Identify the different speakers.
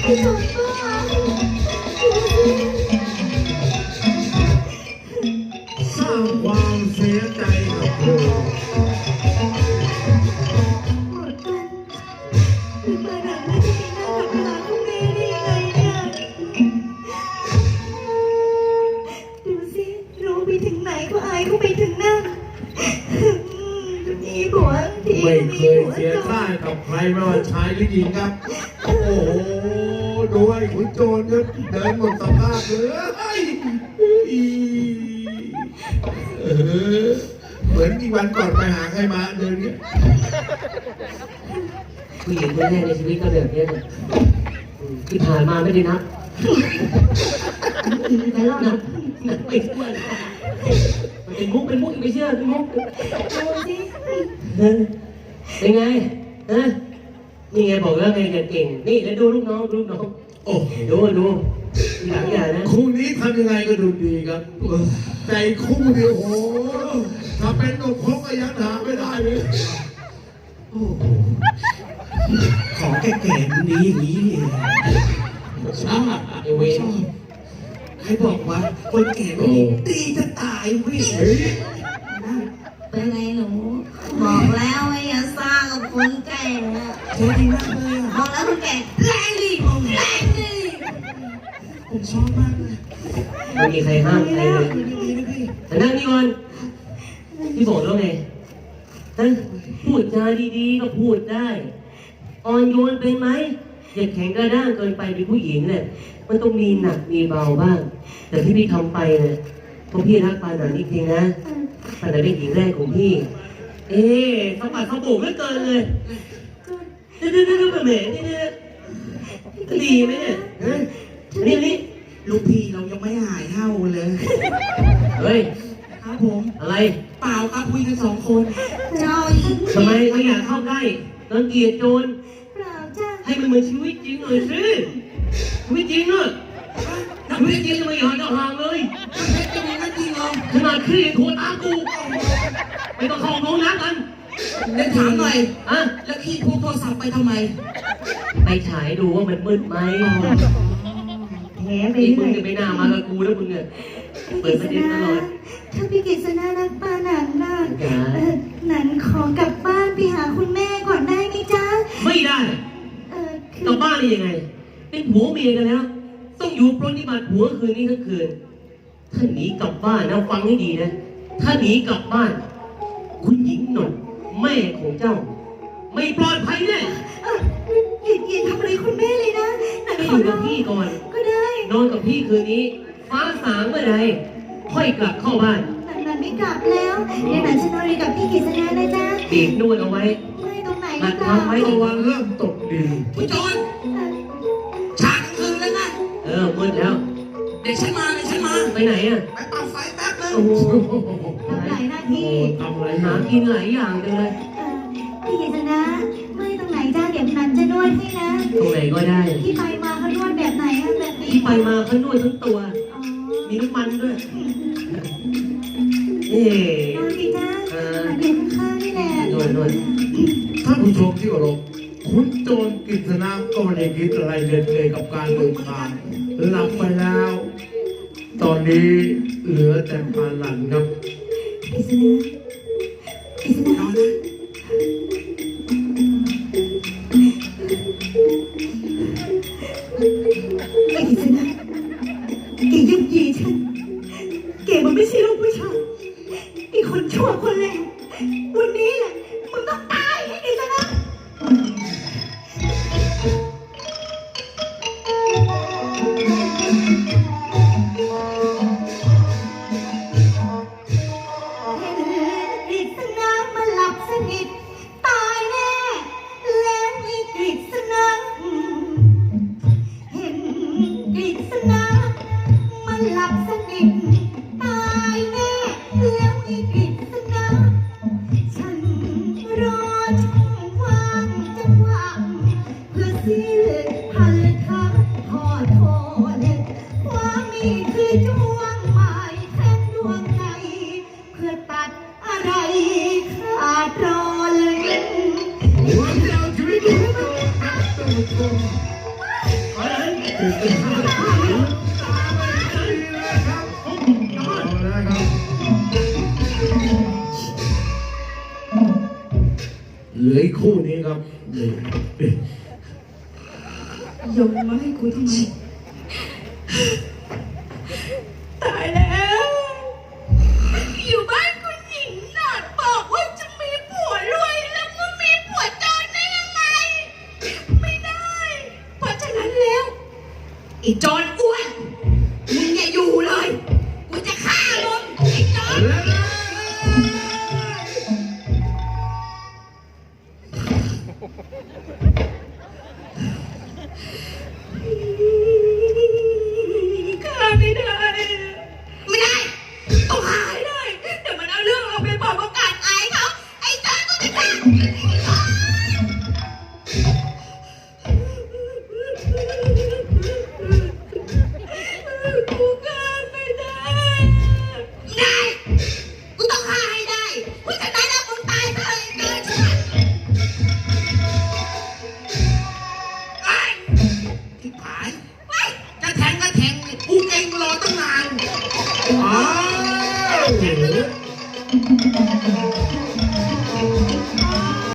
Speaker 1: สร้างความเสียใจกับเธอ
Speaker 2: หมดกันหรือมาหนังไม่ได้นั่งกับหลานของแม่ได้ยังไงเนี่ยดูสิรู้ไปถึงไหนก็อายเขาไปถึงนั่นมีผัวที่
Speaker 1: ไม่เค
Speaker 2: มี
Speaker 1: ย
Speaker 2: ผัว
Speaker 1: เสีย
Speaker 2: จ
Speaker 1: ค่ากับใครไม่ว่าชายหรือหญิงครับ โอ้โหดูไอ้ขุนโจรเนี่ยเดินหมดสภาพเลยเหมือนที่วันก่อนไปหาใครมาเดินเนี้ย
Speaker 3: ผู้หญิงคนแรกในชีวิตก็แบบนี้เนี่ยที่ผ่านมาไม่ได้นับแต่รอบนับไม่เชื่อมันเป็นมุกอย่าไปเชื่อเป็นมุก
Speaker 2: ดูสิ
Speaker 3: เป็นไงฮะนี่ไงบอกแล้วไงเก่งนี่แล้วดูลูกน้อง
Speaker 1: โอ้โห
Speaker 3: ดูทีหลังอย่านะ
Speaker 1: คู่นี้ทำยังไงก็ดูดีครับใจคู่เดียวโอ้โหถ้าเป็นหนุ่มคงก็ยังหาไม่ได้เลยโอ้โหของแก่ๆมันดีอย่างนี้นี่เองชอบ
Speaker 3: ไอเวน
Speaker 1: ใครบอกว่าคนแก่ไม่ดีดีจะตายพี่เฮ้ย
Speaker 2: เป็นไงหนูบอกแล้วว่าอย่าซ่ากับคนแก่อะ
Speaker 1: เท่ดีมากเลยอ่ะ
Speaker 2: บอกแล้วคนแก่แรงดิแรงดิ
Speaker 1: ผมชอบมากเลย
Speaker 3: ไม่มีใครห้ามใครเลย
Speaker 1: ดีนะพี่
Speaker 3: แต่นั่งนี่ก่อนพี่บอกแล้วไงฮะพูดจาดีๆก็พูดได้อ่อนโยนเป็นไหมอย่าแข็งกระด้างเกินไปเป็นผู้หญิงเนี่ยมันต้องมีหนักมีเบาบ้าง แต่ที่พี่ทำไปเนี่ยเพราะพี่รักปาหนันจริงๆนะปาหนันเป็นหญิงแรกของพี่ สะบัดสะบุกเหลือเกินเลยดื้อๆๆๆแหมนี่ดีไหมเนี่ยฮะนี่
Speaker 4: ลูกพี่เรายังไม่หายเห่าเลย
Speaker 3: เฮ้ย
Speaker 4: ครับผม
Speaker 3: อะไร
Speaker 4: เปล่าครับคุยกัน2 คน
Speaker 2: เจ้าหญิง
Speaker 3: ทำไมไม่อยากเข้าใกล้รังเกียจโจร
Speaker 2: เปล่าจ้า
Speaker 3: ให้มันเหมือนชีวิตจริงเลยสิชีวิตจริงอะชีวิตจริงไม่อยากจะห่างเลย
Speaker 4: เป็นอย่างนั้นจริงเหรอ
Speaker 3: ขนาดขี้ยังโทรตามกูไม่ต้องเข้าห้องน้ำกัน
Speaker 4: เดี๋ยวถามหน่อย
Speaker 3: อะ
Speaker 4: แล้วขี้พกโทรศัพท์ไปทำไม
Speaker 3: ไปฉายดูว่ามันมืดไหม
Speaker 2: แพ้ไป
Speaker 3: ไอ้
Speaker 2: เรื่
Speaker 3: มึ
Speaker 2: อง ย
Speaker 3: จะไม่น่ามากับกูแล้วมึงเนี่ยเปิดประเด็นตลอด
Speaker 2: ถ้าพี่กฤษณารักป้าหนันน่ะ
Speaker 3: จ๋า
Speaker 2: หนันขอกลับบ้านไปหาคุณแม่ก่อนได้ไหมจ๊ะ
Speaker 3: ไม่ได้
Speaker 2: คื
Speaker 3: กลับบ้านได้ยังไง เป็นผัวเมียกันแล้ว ต้องอยู่ปรนนิบัติผัวคืนนี้ทั้งคืน ถ้าหนีกลับบ้านนะฟังให้ดีนะ ถ้าหนีกลับบ้าน คุณหญิงหนดแม่ของเจ้า ไม่ปลอดภัยแน่
Speaker 2: อย่าทำอะไรคุณแม่เลยนะหนัน
Speaker 3: ไป
Speaker 2: ข
Speaker 3: อ
Speaker 2: อยู่ ร้
Speaker 3: กั
Speaker 2: อบ ง
Speaker 3: พี่ก่อน
Speaker 2: ก็ได้
Speaker 3: นอนกับพี่คืนนี้ ฟ้าสางเมื่อใดค่อยกลับเข้าบ้าน
Speaker 2: หนันไม่กลับแล้วเดี๋ยวหนันจะนอนกับพี่กฤษณานะจ๊ะ
Speaker 3: บีบนวดเอาไว้
Speaker 2: ไม่ตรงไหน
Speaker 3: หั
Speaker 2: นะ
Speaker 3: ด
Speaker 2: จ๊ะ
Speaker 3: ทำไว้
Speaker 1: ตะวันเริ่มตกดิน
Speaker 4: คุณโจรฉากกลางคืนแล้วนะ
Speaker 3: มืดแล้ว
Speaker 4: เดี๋ยวฉันมา
Speaker 3: ไปไหนอ่ะ
Speaker 4: ไปเป่าไฟแป๊บนึง
Speaker 3: โอ้โห
Speaker 2: ทำหลายหน้าที่
Speaker 1: ทำอะไร
Speaker 3: หากินหลายอย่างเลย
Speaker 2: พี่กฤษณาไม่ตรงไหนจ้าเดี๋ยวหนันจะนวดให้นะ
Speaker 3: ตรงไหนก็ได้
Speaker 2: ที่ไปมาเขานวดแบบไหนอะแบบนี้
Speaker 3: ที่ไปมาเขานวดทั้งตัว
Speaker 2: อ๋อ
Speaker 3: มีน้ำมันด้วย เอ๊
Speaker 2: นวดสิจ้า
Speaker 3: เออ
Speaker 2: เดี๋ยวข้างๆนี่แหละ
Speaker 3: นวด
Speaker 1: ท่านผู้ชมที่เคารพคุณโจรกฤษณะก็ไม่ได้คิดอะไรเลยกับการเดินทางหลับไปแล้ว ตอนนี้เหลือแต่ปาหลันครับ
Speaker 2: กฤษณา
Speaker 4: นอนนะ
Speaker 2: กฤษณาแกยุบยีฉันแกมันไม่ใช่ลูกผู้ชายไอ้คนชั่วคนเลววันนี้แหละมึงต้องตายไอ้กฤษณา เห็นกฤษณามาหลับสนิทตายแน่แล้วไอ้กฤษณาเห็นกฤษณามาหลับสนิทตายแน่แล้วไอ้กฤษณาฉันรอช่องว่างจังหวะเพื่อสิ้นพันทักทอดโทษว่ามีคือจวงหมายแทนดวงใจเพื่อตัดอะไรขาดรอเลย
Speaker 1: หัวเดียวชีวิตของโจรครับท่านผู้ชม
Speaker 3: ๆ
Speaker 1: เหลืออีกคู่นี้ครับ
Speaker 2: โยนมาให้กูทำไม ตายแล้ว อยู่บ้านคุณหญิงหนอดบอกว่าจะมีผัวรวยแล้วก็มีผัวจนได้ยังไง ไม่ได้ เพราะฉะนั้นแล้วไอ้จอนอ้วนมึงอย่าอยู่เลย กูจะฆ่ามึงไอ้จอนฆ่าไม่ได้ ไม่ได้ ต้องหาให้ได้ เดี๋ยวมันเอาเรื่องเราไปบอกประกาศอายเขา ไอ้จอนกูจะฆ่ากูฆ่าไม่ได้ ได้ กูต้องฆ่าให้ได้เพราะฉะนั้นแล้วมึงตายซะเลยเกินชั่วไอ้
Speaker 4: ที่ผายจะแทงก็แทงกูเก่งรอตั้งนาน
Speaker 1: อ้าว